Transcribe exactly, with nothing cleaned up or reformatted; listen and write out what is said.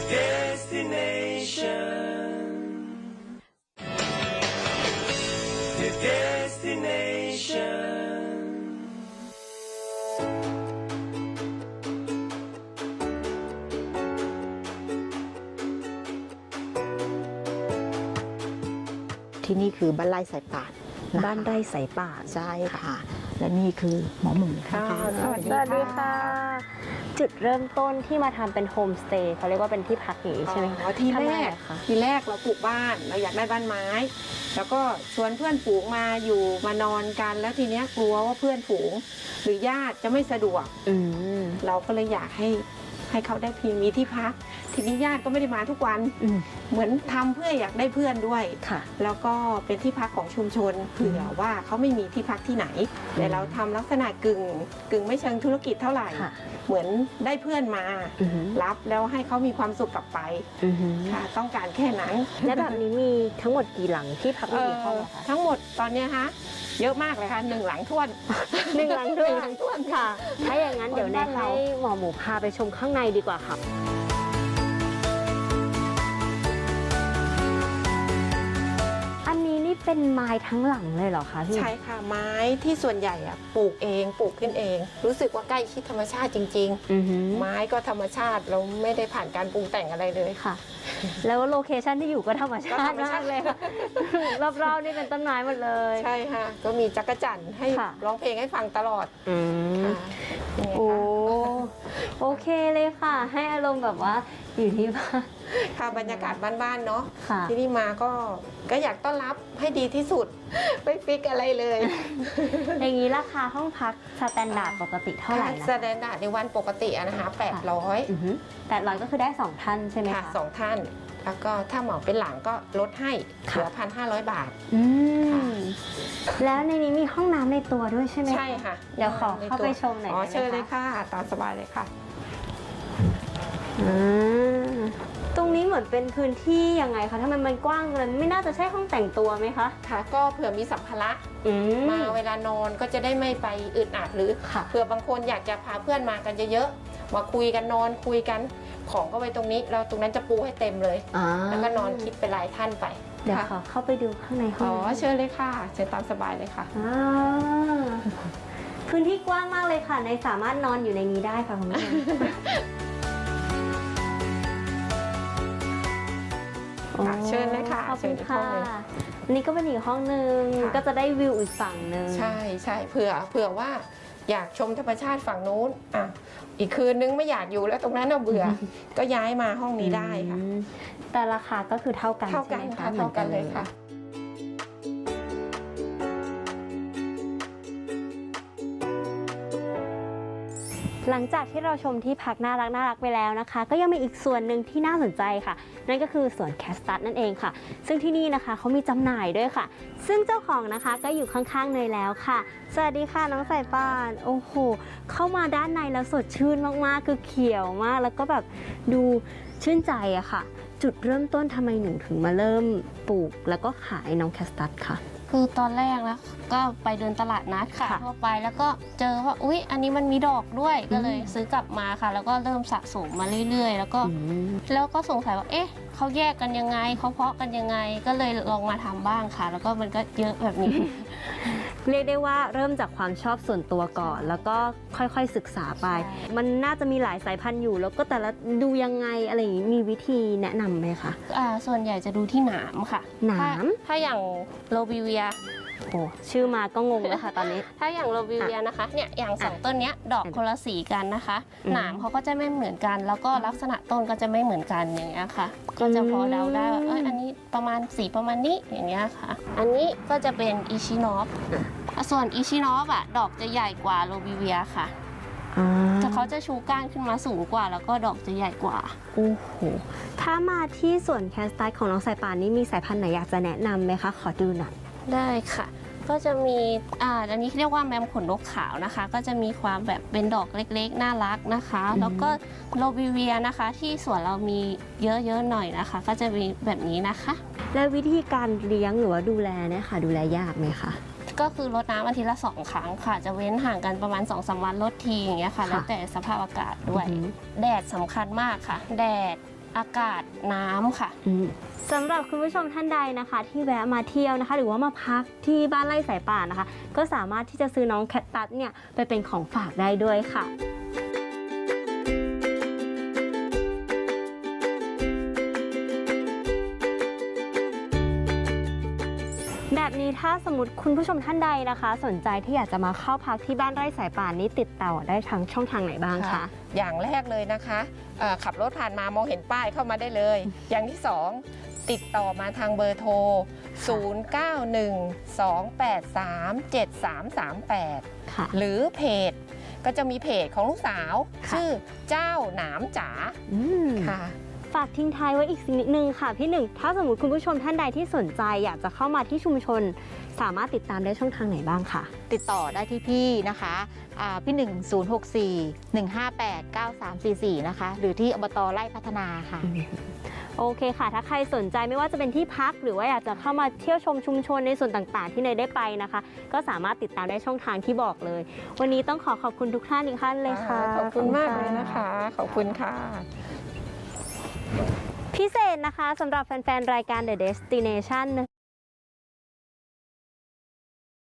destination your destination ที่นี่คือบ้านไร่สายป่านนะคะบ้านไร่สายป่านใช่ค่ะ และนี่คือหมอหมูค่ะสวัสดีค่ะ จุดเริ่มต้นที่มาทำเป็นโฮมสเตย์เขาเรียกว่าเป็นที่พักอย่างนี้ใช่ไหมอ๋อทีทำแรไมกอะคะทีแรกเราปลูกบ้านเราอยากได้บ้านไม้ แล้วก็ชวนเพื่อนฝูงมาอยู่มานอนกันแล้วทีเนี้ยกลัวว่าเพื่อนฝูง หรือญาติจะไม่สะดวกอืมเราก็เลยอยากให้ให้เขาได้เพียงมีที่พัก ทีนี้ญาติก็ไม่ได้มาทุกวันอืมเหมือนทำเพื่ออยากได้เพื่อนด้วยค่ะแล้วก็เป็นที่พักของชุมชนเผื่อว่าเขาไม่มีที่พักที่ไหน แต่เราทำลักษณะกึ่งกึ่งไม่เชิงธุรกิจเท่าไหร่ค่ะเหมือนได้เพื่อนมาอือหือรับแล้วให้เขามีความสุขกลับไปอือหือค่ะ ต้องการแค่นั้นและแบบนี้มีทั้งหมดกี่หลังที่พักเอ่มีกี่ห้องออะคะทั้งหมดตอนเนี้ยฮะเยอะมากเลยค่ะหนึ่งหลังท้วนหนึ่งหลังด้วยหนึ่งหลังท้วนค่ะ ถ้าอย่างนั้นเดี๋ยวแนะบ้านเราให้หมอหมูพาไปชมข้างในดีกว่าค่ะ อันนี้นี่เป็นไม้ทั้งหลังเลยเหรอคะพี่ใช่ค่ะไม้ที่ส่วนใหญ่อะปลูกเองปลูกขึ้นเอง รู้สึกว่าใกล้ชิดธรรมชาติจริงอือหือๆ ไม้ก็ธรรมชาติเราไม่ได้ผ่านการปรุงแต่งอะไรเลยค่ะ แล้วโลเคชันที่อยู่ก็ธรรมชาก็ธรติรมชาติมากเลยค่ะ รอบๆนี่เป็นต้นไม้หมดเลยใช่ค่ะ ก็มีจักรจั่นให้ค่ะร้องเพลงให้ฟังตลอดอืมค่ะนี่ไงโอ้คะโอเคเลยค่ะ ให้อารมณ์แบบว่าอยู่ที่บ้านค่ะบรรยากาศบ้านๆเนาะค่ะที่นี่มาก็ก็อยากต้อนรับให้ดีที่สุด ไม่ฟิกอะไรเลยอย่างนี้ราคาห้องพักสแตนดาร์ดปกติเท่าไหร่นะแสดงดาร์ดในวันปกติอะนะคะแปดร้อยแปดร้อยก็คือได้สองท่านใช่ไหมค่ะคะสองท่าน แล้วก็ถ้าเหมาเป็นหลังก็ลดให้เหลือพันห้าร้อยบาทอืมค่ะแล้วในนี้มีห้องน้ำในตัวด้วยใช่ไหมคะใช่ค่ะเดี๋ยวขอเข้าไปชมหน่อยอ๋อได้ไหมคะเชิญเลยค่ะ ตามสบายเลยค่ะอ่าตรงนี้เหมือนเป็นพื้นที่ยังไงคะทำไมมันกว้างเลยไม่น่าจะใช่ห้องแต่งตัวไหมคะค่ะ ก็เผื่อมีสัมภาระอืมมาเวลานอนก็จะได้ไม่ไปอึดอัดหรือค่ะเผื่อบางคนอยากจะพาเพื่อนมากันเยอะๆมาคุยกันนอนคุยกันของก็ไว้ตรงนี้เราตรงนั้นจะปูให้เต็มเลยอ่าแล้วก็นอนคิดเป็นรายท่านไปเดี๋ยวค่ะขอเข้าไปดูข้างในห้อ๋ออง เชิญเลยค่ะเชิญตามสบายเลยค่ะอ่าพื้นที่กว้างมากเลยค่ะในสามารถนอนอยู่ในนี้ได้ค่ะคุณผู้ชมค่ะเชิญเลยค่ะขอบคุณเชิญอีกห้ค่ะองหนึ่งอันนี้ก็เป็นอีกห้องหนึ่งค่ะก็จะได้วิวอีกฝั่งหนึ่งใช่ใช่เผื่อเผื่อว่าอยากชมธรรมชาติฝั่งนู้นอ่ะอีกคืนนึงไม่อยากอยู่แล้วตรงนั้นเราเบื่อ ก็ย้ายมาห้องนี้ได้ค่ะอืมแต่ราคาก็คือเท่ากันเท่ากันใช่ไหมค่ะเท่ากันเลยค่ะหลังจากที่เราชมที่พักน่ารักน่ารักไปแล้วนะคะ ก็ยังมีอีกส่วนหนึ่งที่น่าสนใจค่ะ นั่นก็คือสวนแคสตัสนั่นเองค่ะ ซึ่งที่นี่นะคะเขามีจำหน่ายด้วยค่ะ ซึ่งเจ้าของนะคะก็อยู่ข้างๆเนยแล้วค่ะ สวัสดีค่ะน้องสายป่านโอ้โหเข้ามาด้านในแล้วสดชื่นมากๆคือเขียวมากแล้วก็แบบดูชื่นใจอะค่ะ จุดเริ่มต้นทำไมหนูถึงมาเริ่มปลูกแล้วก็ขายน้องแคสตัสค่ะคือตอนแรกนะก็ไปเดินตลาดนัดค่ะค่ะทั่วไปแล้วก็เจอว่าอุ๊ยอันนี้มันมีดอกด้วยอืมก็เลยซื้อกลับมาค่ะ แล้วก็เริ่มสะสมมาเรื่อยๆ แล้วก็อืมแล้วก็สงสัยว่าเอ๊ะเขาแยกกันยังไงเขาเพาะกันยังไง ก็เลยลองมาทำบ้างค่ะ แล้วก็มันก็เยอะแบบนี้เรียกได้ว่าเริ่มจากความชอบส่วนตัวก่อน แล้วก็ค่อยๆศึกษาไปใช่มันน่าจะมีหลายสายพันธุ์อยู่ แล้วก็แต่ละดูยังไงอะไรอย่างนี้มีวิธีแนะนำไหมคะอ่าส่วนใหญ่จะดูที่หนามค่ะหนามถ้ถ้าอย่างโรบิเวียโอ้ชื่อมาก็งงแล้วค่ะตอนนี้ถ้าอย่างโรบิเวียนะคะเนี่ยอย่างสองต้นเนี้ยดอกคนละสีกันนะคะอืมหนามเขาก็จะไม่เหมือนกัน แล้วก็ลักษณะต้นก็จะไม่เหมือนกันอย่างเงี้ยค่ะ ก็จะพอเดาได้ว่าเอยอันนี้ประมาณสีประมาณนี้อย่างเงี้ยค่ะ อันนี้ก็จะเป็นอิชิโนฟส่วนอิชิโนฟอะดอกจะใหญ่กว่าโรบิเวียค่ะอ่าแต่เขาจะชูก้านขึ้นมาสูงกว่า แล้วก็ดอกจะใหญ่กว่าโอ้โหถ้ามาที่สวนแคสตัสของน้องสายป่านนี้มีสายพันธุ์ไหนอยากจะแนะนำไหมคะ ขอดูหน่อยได้ค่ะ ก็จะมีอ่าอันนี้เรียกว่าแมมขนนกขาวนะคะ ก็จะมีความแบบเป็นดอกเล็กๆน่ารักนะคะอืมแล้วก็โรบิเวียนะคะ ที่สวนเรามีเยอะๆหน่อยนะคะ ก็จะมีแบบนี้นะคะแล้ววิธีการเลี้ยงหรือว่าดูแลเนี่ยค่ะ ดูแลยากไหมคะก็คือรดน้ำอาทิตย์ละสองครั้งค่ะ จะเว้นห่างกันประมาณ สองสาม วันรดทีอย่างเงี้ยค่ะค่ะแล้วแต่สภาพอากาศด้วยอือหือแดดสำคัญมากค่ะ แดดอากาศน้ำค่ะสำหรับคุณผู้ชมท่านใดนะคะ ที่แวะมาเที่ยวนะคะ หรือว่ามาพักที่บ้านไร่สายป่านนะคะ ก็สามารถที่จะซื้อน้องแคคตัสเนี่ยไปเป็นของฝากได้ด้วยค่ะ แบบนี้ถ้าสมมติคุณผู้ชมท่านใดนะคะ สนใจที่อยากจะมาเข้าพักที่บ้านไร่สายป่านนี้ติดต่อได้ทางช่องทางไหนบ้างคะอย่างแรกเลยนะคะเอ่อขับรถผ่านมามองเห็นป้ายเข้ามาได้เลย อย่างที่สองติดต่อมาทางเบอร์โทร ศูนย์ เก้า หนึ่ง สอง แปด สาม เจ็ด สาม สาม แปดค่ะหรือเพจก็จะมีเพจของลูกสาวค่ะชื่อเจ้าหนามจ๋าอืมค่ะฝากทิ้งท้ายไว้อีกสิ่งนิดนึงค่ะพี่หนึ่งถ้าสมมติคุณผู้ชมท่านใดที่สนใจอยากจะเข้ามาที่ชุมชน สามารถติดตามได้ช่องทางไหนบ้างคะติดต่อได้ที่พี่นะคะอ่าพี่หนึ่ง ศูนย์ หก สี่ หนึ่ง ห้า แปด เก้า สาม สี่ สี่ นะคะ หรือที่อบตไร่พัฒนาค่ะโอเคค่ะ ถ้าใครสนใจไม่ว่าจะเป็นที่พัก หรือว่าอยากจะเข้ามาเที่ยวชมชุมชนในส่วนต่างๆ ที่เนยได้ไปนะคะ ก็สามารถติดตามได้ช่องทางที่บอกเลย วันนี้ต้องขอขอบคุณทุกท่านอีกท่านเลยค่ะขอบคุณมากเลยนะคะ ขอบคุณค่ะพิเศษนะคะสำหรับแฟนๆ รายการ The Destination